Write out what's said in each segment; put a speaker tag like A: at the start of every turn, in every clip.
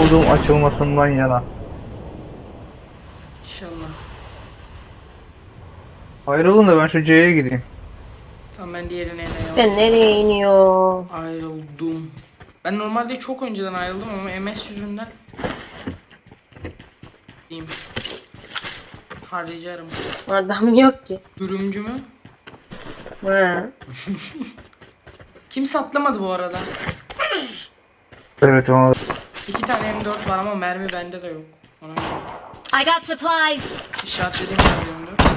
A: olduğum açılmasından yana.
B: İnşallah.
A: Ayrılın da ben şu C'ye gideyim.
B: Tamam ben diğerine de
C: Ben nereye iniyor?
B: ayrıldım. Ben normalde çok önceden ayrıldım ama MS yüzünden diyeyim. Harcarım.
C: Adam yok ki.
B: Dürümcü mü?
C: Ha.
B: Kimse atlamadı bu arada.
A: Evet ona.
B: 2 tane M4 var ama mermi bende de yok. Ona göre.
D: I got supplies.
B: İşaretlediğim yerde M4.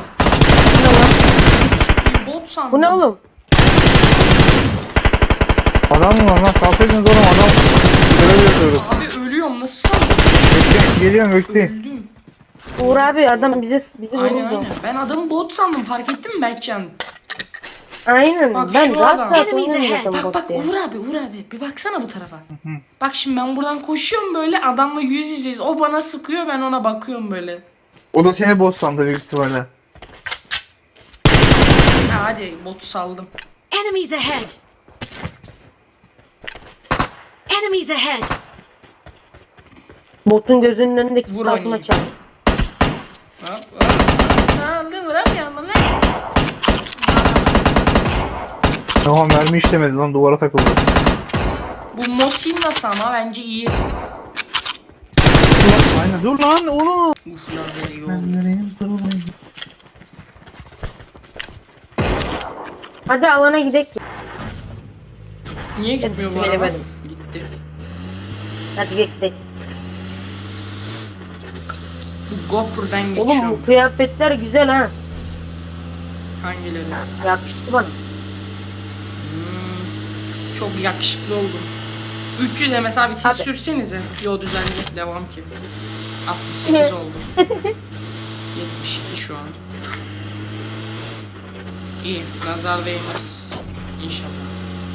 B: Bir bot sandım.
C: Bu ne oğlum?
A: Adam mı var lan? Kalkaydınız oğlum adam. Görev yapıyoruz.
B: Abi ölüyorum nasıl sandın?
A: Geliyorum bekleyin.
B: Öldüm.
C: Uğur abi adam bizi
B: Aynen
C: vurdu.
B: aynen. Ben adamı bot sandım fark ettin mi Berkcan?
C: Aynen.
B: Bak
C: Ben
B: şu
C: rahat
B: adam.
C: rahat
D: Enemies
C: oynuyorum
D: ahead.
C: zaten
B: Bak bak
C: bot diye.
B: Uğur abi bir baksana bu tarafa. Bak şimdi ben buradan koşuyorum böyle adamla yüz yüzeyiz. O bana sıkıyor ben ona bakıyorum böyle.
A: O da seni boss sandı büyük ihtimalle.
B: Ha, hadi botu saldım.
D: Enemies ahead. Enemies ahead.
C: Botun gözünün önündeki
B: Vur
C: tasma
B: oynayayım.
C: çal.
B: Hop hop. Saldı vuramıyorum lan.
A: Tamam mermi işlemedi lan duvara takıldı.
B: Bu Mosin nasıl ama bence iyi.
A: Aynen dur lan oğlum.
B: Uf lazer iyi oldu.
A: Nereyim dur lan.
C: Hadi alana gidelim.
B: Niye gitmiyor bu araba?
C: Bilemedim.
B: Gitti.
C: Hadi gidelim.
B: Bu GoPro'dan
C: Oğlum
B: geçiyorum.
C: bu kıyafetler güzel ha.
B: Hangileri?
C: Yakıştı bana.
B: Çok yakışıklı oldum. 300'e mesela bir siz
C: Abi.
B: sürsenize. Yo düzenli devam ki. 68
C: Ne?
B: oldu. 72 şu an. İyi. Nazar değmez. İnşallah.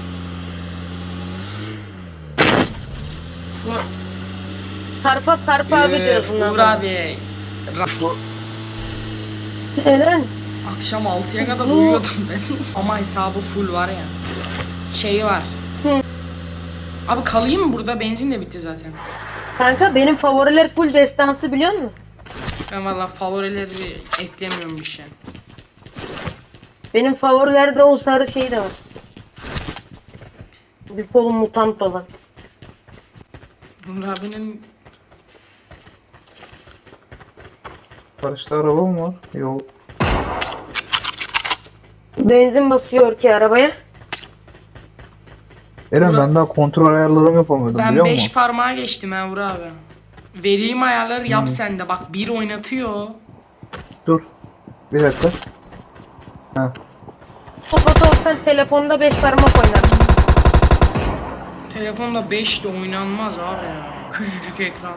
C: Sarpa abi diyoruz bundan
B: Uğur
C: sonra.
B: abi.
C: Eren.
B: Akşam 6'ya kadar uyuyordum ben. Ama hesabı full var ya. Şeyi var.
C: Hı.
B: Abi kalayım mı burada? Benzin de bitti zaten.
C: Kanka benim favoriler full destansı biliyor musun?
B: Ben valla favorileri eklemiyorum bir şey.
C: Benim favorilerde o sarı şey de var. Bir kolum mutant olan.
B: Uğur abinin
A: Karışta araba mı var? Yok.
C: Benzin basıyor ki arabaya.
A: Eren
B: Uğur-
A: ben daha kontrol ayarlarımı yapamıyordum
B: ben
A: biliyor
B: 5
A: musun?
B: parmağa geçtim ha Uğur abi. Vereyim ayarları yap sen de. Bak bir oynatıyor.
A: Dur. Bir dakika. Ha.
C: O fotoğraftan telefonda 5 parmak oynar.
B: Telefonda 5 de oynanmaz abi ya. Küçücük ekran.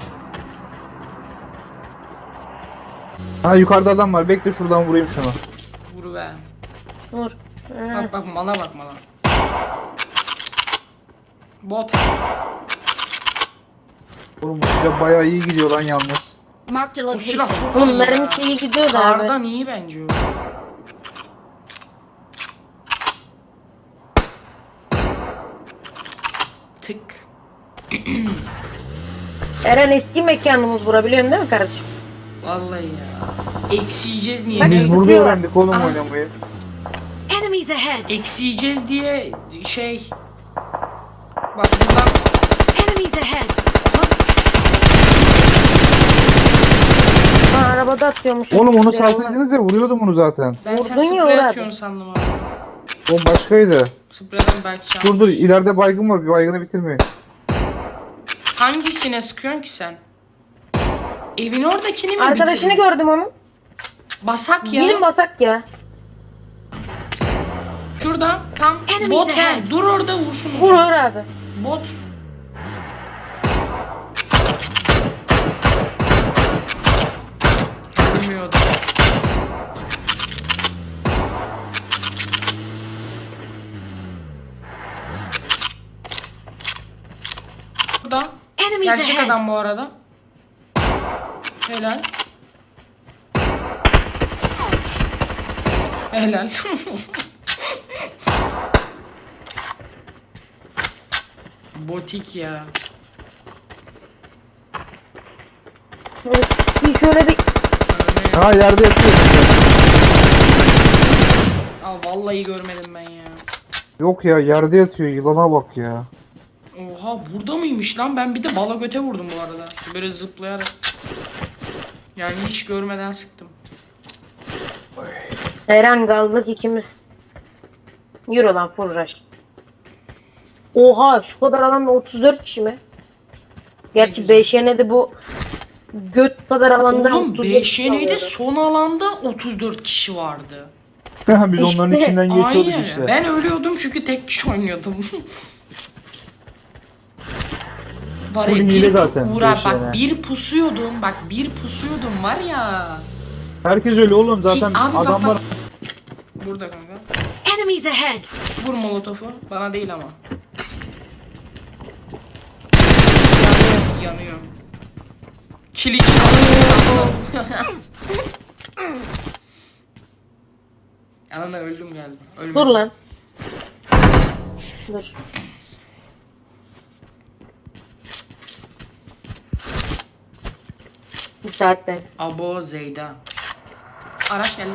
A: Ha yukarıda adam var. Bekle şuradan vurayım şunu.
B: Vur be.
C: Dur.
B: Bak bak mala bak mala. Bot.
A: Oğlum bu silah bayağı iyi gidiyor lan yalnız.
D: Marked a
B: O silah
D: location.
B: çok
C: Oğlum
B: iyi ya.
C: mermisi iyi gidiyor da abi.
B: Kardan iyi bence o. Tık.
C: Eren eski mekanımız bura biliyorsun değil mi kardeşim?
B: Vallahi ya. Eksiyeceğiz niye?
C: Bak-
A: Biz burada
C: Zıplıyorlar.
A: öğrendik oğlum
B: Aha.
A: oynamayı.
D: Enemies ahead.
B: Eksiyeceğiz diye şey. Bak buradan
D: Enemies ahead.
C: Ha arabada atıyormuş.
A: Oğlum onu
C: Silahı.
A: salsaydınız ya vuruyordum onu zaten.
B: ben sen
C: Vurdun ya
B: sprey
C: Uğur
B: atıyorsun sandım abi.
A: O başkaydı.
B: Spreyden belki şans.
A: Dur dur ileride baygın var. Bir baygını bitirmeyin.
B: Hangisine sıkıyorsun ki sen? Evin oradakini mi
C: Arkadaşını
B: bitirdin?
C: gördüm onu.
B: Basak ya.
C: Benim basak ya.
B: Şurada tam
D: Enemies
B: bot he.
D: ahead.
B: Dur orada vursun.
C: Vur Uğur abi.
B: Bot. Bilmiyordu. Burada.
D: Enemies
B: Gerçek
D: ahead.
B: adam bu arada. Helal. Helal. Botik ya.
C: Bir şöyle bir
A: Ha yerde yatıyor.
B: Aa vallahi görmedim ben ya.
A: Yok ya yerde yatıyor, yılana bak ya.
B: Oha burada mıymış lan? Ben bir de bala göte vurdum bu arada. Böyle zıplayarak. Yani hiç görmeden sıktım.
C: Eren kaldık ikimiz. Yürü lan full rush. Oha şu kadar alanda 34 kişi mi? Gerçi
B: güzel.
C: BŞN'de bu göt kadar alanda
B: Oğlum
C: 34 kişi
B: BŞN'de
C: alıyordu.
B: son alanda 34 kişi vardı.
A: Biz onların
C: İşte,
A: içinden geçiyorduk
B: Aynen.
A: işte.
B: Ben ölüyordum çünkü tek kişi oynuyordum. Var ya
A: Full
B: bir
A: hile zaten
B: Uğur,
A: BŞN.
B: bak bir pusuyordum. Bak bir pusuyordum var ya.
A: Herkes öyle oğlum zaten
B: Abi bak,
A: adamlar.
B: bak. Burada kanka.
D: Enemies ahead!
B: Vur molotofu. Bana değil ama. Yanıyor. Çil için Yanına öldüm galiba. Ölmedim.
C: Dur lan. Dur. Müsaitler.
B: Abo Zeyda. Araç geldi.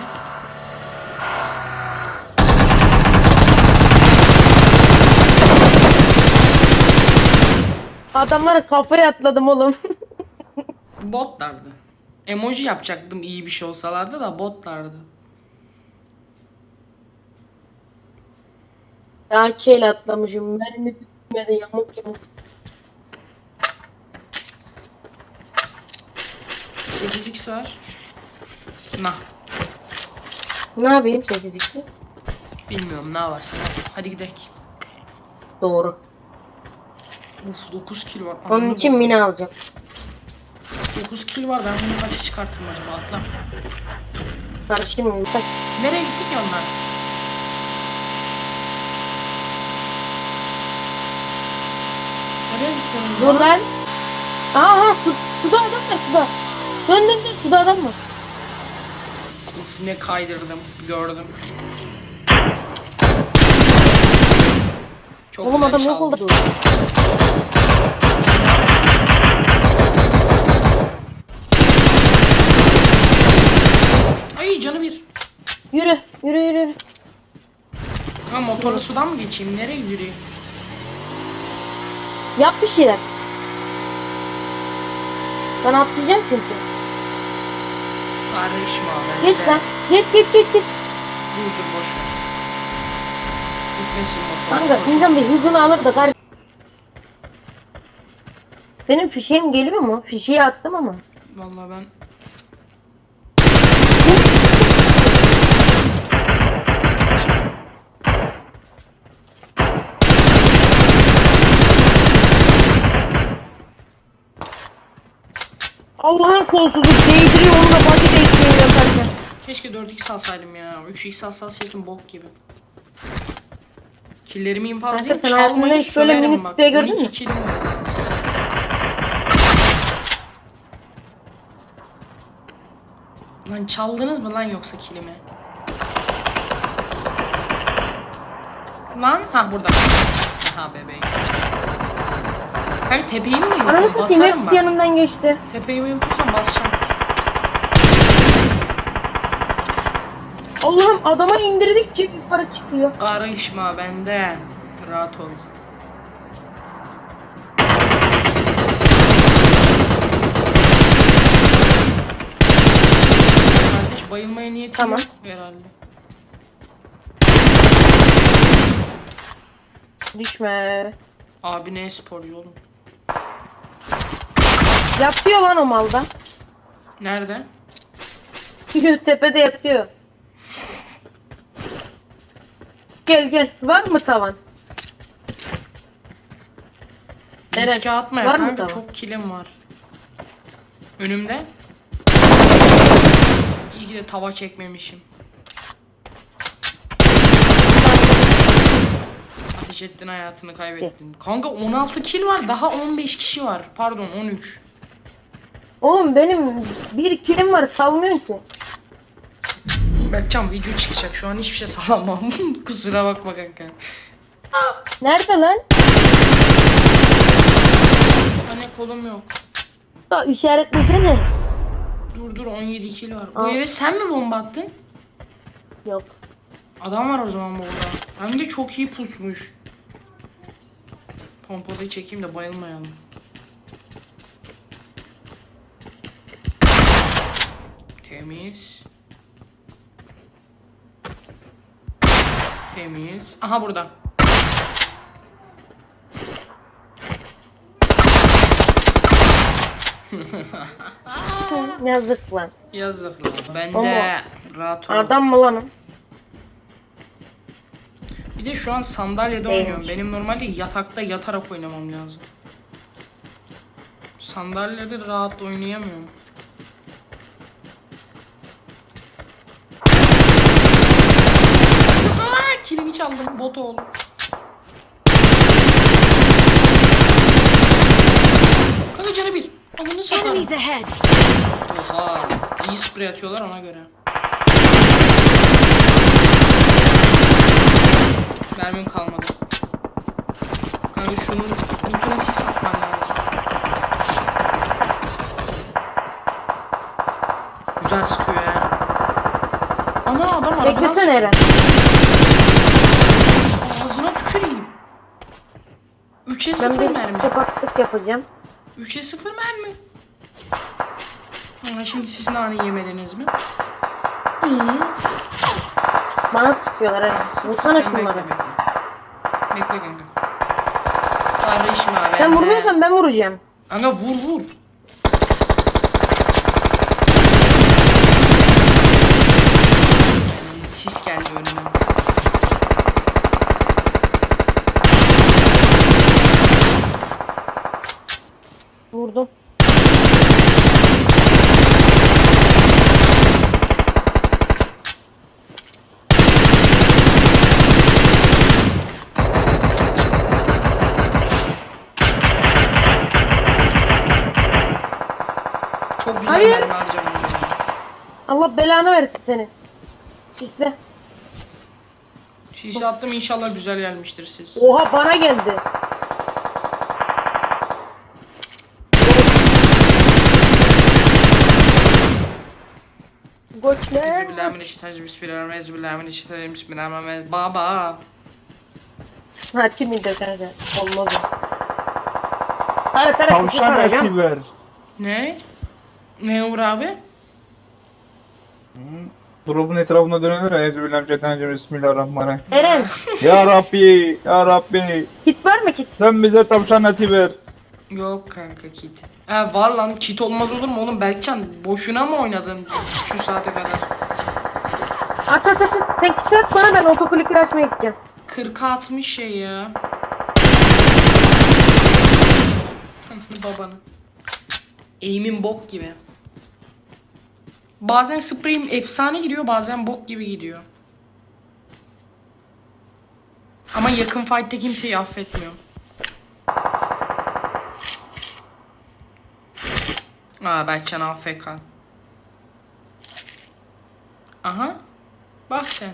C: Adamlara kafaya atladım oğlum.
B: Botlardı. Emoji yapacaktım iyi bir şey olsalardı da botlardı.
C: AK ile atlamışım. Mermi bitmedi yamuk yamuk.
B: 8x var. Nah.
C: Ne yapayım 8-2?
B: Bilmiyorum ne var sana. Hadi gidelim.
C: Doğru.
B: Uf 9 kill var.
C: Onun için mini alacağım.
B: 9 kill var, ben bunu kaça çıkarttım acaba, atla.
C: Karışım mı?
B: Nereye gittik ya onlar? Nereye gittiniz
C: Dur lan. Aha suda adam var suda. Dön dön dön suda adam var.
B: Uf ne kaydırdım, gördüm. Çok
C: Oğlum
B: güzel
C: adam yok
B: çaldı.
C: oldu.
B: Ay canı bir.
C: Yürü yürü yürü. Yürü.
B: Ha motoru sudan mı geçeyim, nereye yürüyeyim?
C: Yap bir şeyler. Ben atlayacağım çünkü.
B: Karışma ben
C: Geç
B: de.
C: lan. Geç geç geç geç.
B: Dur dur boş ver. Gitmesin motor.
C: Kanka insan bir hızını alır da karşı. Benim fişeğim geliyor mu? Fişeği attım ama.
B: Vallahi ben
C: Allah'ın kolsuzluk değdiriyor onunla body değdiriyor yaparken.
B: keşke 4x alsaydım ya. 3x alsaydım bok gibi. Killerimi infazlayıp
C: Kanka, sen hayatında
B: çalmayı
C: hiç böyle
B: söverim
C: mini
B: bak.
C: sprey gördün
B: 12
C: mü?
B: killim var. Lan çaldınız mı lan yoksa kilimi? Lan ha burada. Ha bebeğim. Kanka tepeyi mi
C: Ananı
B: yuttum?
C: satayım
B: Basarım
C: hepsi
B: bak.
C: yanından geçti.
B: Tepeyi mi yutursam basacağım.
C: Allah'ım adama indirdikçe yukarı çıkıyor.
B: Karışma bende. Rahat ol. Kardeş bayılmaya niyetim
C: Tamam.
B: yok herhalde.
C: Düşme.
B: Abi ne sporcu oğlum.
C: Yatıyor lan o malda.
B: Nerede?
C: Tepede yatıyor. Gel gel. Var mı tavan? Eren,
B: Riske atma ya
C: var mı
B: kanka,
C: tamam?
B: çok kilim var. Önümde. İyi ki de tava çekmemişim. Ateş ettin, hayatını kaybettin. Kanka 16 kill var, daha 15 kişi var. Pardon 13.
C: Oğlum benim bir kilim var salmıyorsun ki.
B: Berkcan video çıkacak, şu an hiçbir şey salamam. Kusura bakma kanka.
C: Nerede lan?
B: Anne kolum yok.
C: Da işaretlesene.
B: Dur 17 kilo var. Bu
C: Aa.
B: eve sen mi bomba attın?
C: Yok.
B: Adam var o zaman burada. Hem de çok iyi pusmuş. Pompalıyı çekeyim de bayılmayalım. Temiz. Temiz. Aha burada.
C: Yazık lan.
B: Yazık lan. Ben
C: Ama-
B: de rahat ol.
C: Adam mı lan o?
B: Bir de şu an sandalyede
C: Değilmiş.
B: oynuyorum. Benim normalde yatakta yatarak oynamam lazım. Sandalyede rahat oynayamıyorum. Aa, kilini çaldım bot oğlum. Kanka canı bir. Amını satarım.
D: Enemies ahead!
B: Oha. İyi sprey atıyorlar ona göre. Mermim kalmadı. Kanka şunun lütfen sis atman lazım. Güzel sıkıyor ya. Ana adam arabadan
C: Beklesene Eren.
B: Ağzına tüküreyim. 3'e
C: Ben
B: 0
C: bir
B: mermi.
C: kapaklık yapacağım.
B: 3'e 0 mermi. Ha, şimdi siz nane yemediniz mi?
C: Bana sıkıyorlar Eren. Vursana
B: Sen
C: şunları.
B: bekle. Bekle kanka. Kardeşim abi.
C: Sen vurmuyorsan ben vuracağım.
B: Kanka vur. Sis geldi önüme.
C: Vurdum.
B: Çok güzel
C: Hayır.
B: mermi harcamadım.
C: Allah belanı versin seni. İşte.
B: Sis attım inşallah güzel gelmiştir siz.
C: Oha bana geldi. Goçler.
B: Bismillahirrahmanirrahim. Baba.
C: Ha kimiydi kanka? Olmaz o. Tara tara şişi
A: Tavşan
C: tarayacağım.
A: eti ver.
B: Ne? Ne Uğur abi?
A: Drop'un etrafında dönüyor ya. Euzubillahimineşşeytanirracim. Bismillahirrahmanirrahim.
C: Eren
A: Ya Rabbi, Ya Rabbi.
C: kit var mı kit?
A: Sen bize tavşan eti ver.
B: Yok kanka kit. Var lan kit olmaz olur mu oğlum Berkcan boşuna mı oynadın şu saate kadar?
C: At. Sen kit at bana, ben otoklikleri açmaya gideceğim.
B: 40'a 60 şey ya. Babanı. Aim'in bok gibi. Bazen spreyim efsane gidiyor bazen bok gibi gidiyor. Ama yakın fight'te kimseyi affetmiyor. Berkcan AFK. Aha. Bak sen.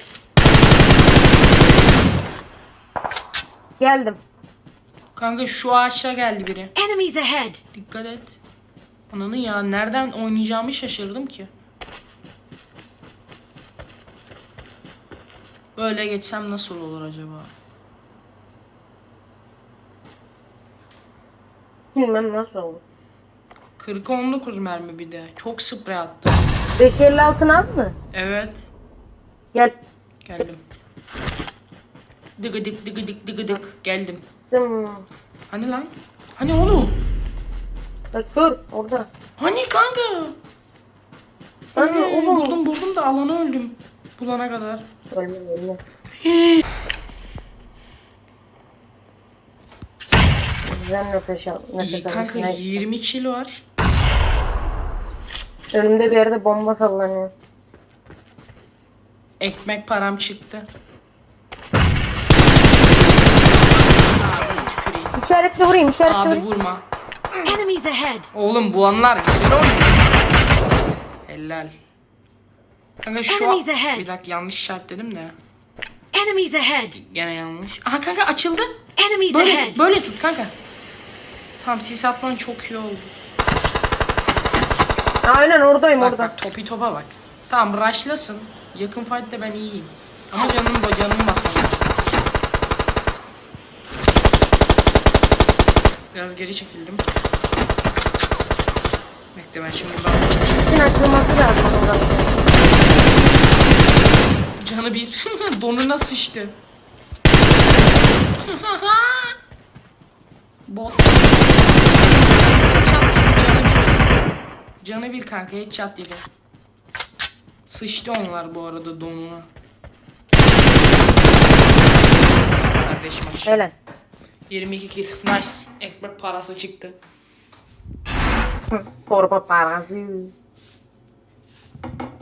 C: Geldim.
B: Kanka şu ağaçta geldi biri.
D: Enemies ahead!
B: Dikkat et. Ananı ya nereden oynayacağımı şaşırdım ki. Böyle geçsem nasıl olur acaba?
C: Bilmem nasıl olur.
B: 40'a 19 mermi bir de. Çok sprey attım.
C: 556 az mı?
B: Evet.
C: Gel.
B: Geldim. Dıgıdık. Geldim.
C: Dım.
B: Hani lan? Hani oğlum?
C: Bak gör orada.
B: Hani kanka?
C: Hani oğlum.
B: Buldum da alana öldüm. Bulana kadar.
C: Ölme. Güzel nefes al.
B: İyi
C: Nefes
B: kanka
C: almışsın. Neyse.
B: 20 kilo var.
C: Önümde bir yerde bomba sallanıyor.
B: Ekmek param çıktı. Tüküreyim.
C: İşaretle vurayım, işaretle
B: Abi
C: vurayım.
B: vurma.
D: Enemies ahead!
B: Oğlum bu anlar güzel oynuyor. Helal. Kanka şu an...
D: Enemies ahead.
B: Bir dakika yanlış işaretledim de.
D: Enemies ahead!
B: Gene yanlış. Aha kanka açıldı.
D: Enemies
B: Böyle
D: ahead!
B: tut, böyle tut kanka. Tamam sis atman çok iyi oldu.
C: Aynen oradayım
B: Bak
C: orada.
B: bak topi topa bak. Tamam rushlasın. Yakın fight'te ben iyiyim. Ama canım basmam lazım. Biraz geri çekildim. Bekle ben şimdi buradan.
C: İçin açılması lazım orada.
B: Canı bir. Donuna sıçtı. Bot. Canı bir kanka headshot yedi. Sıçtı onlar bu arada donuna. Kardeşim aşağı.
C: Helal.
B: 22 kills nice. Ekmek parası çıktı.
C: Torba parası.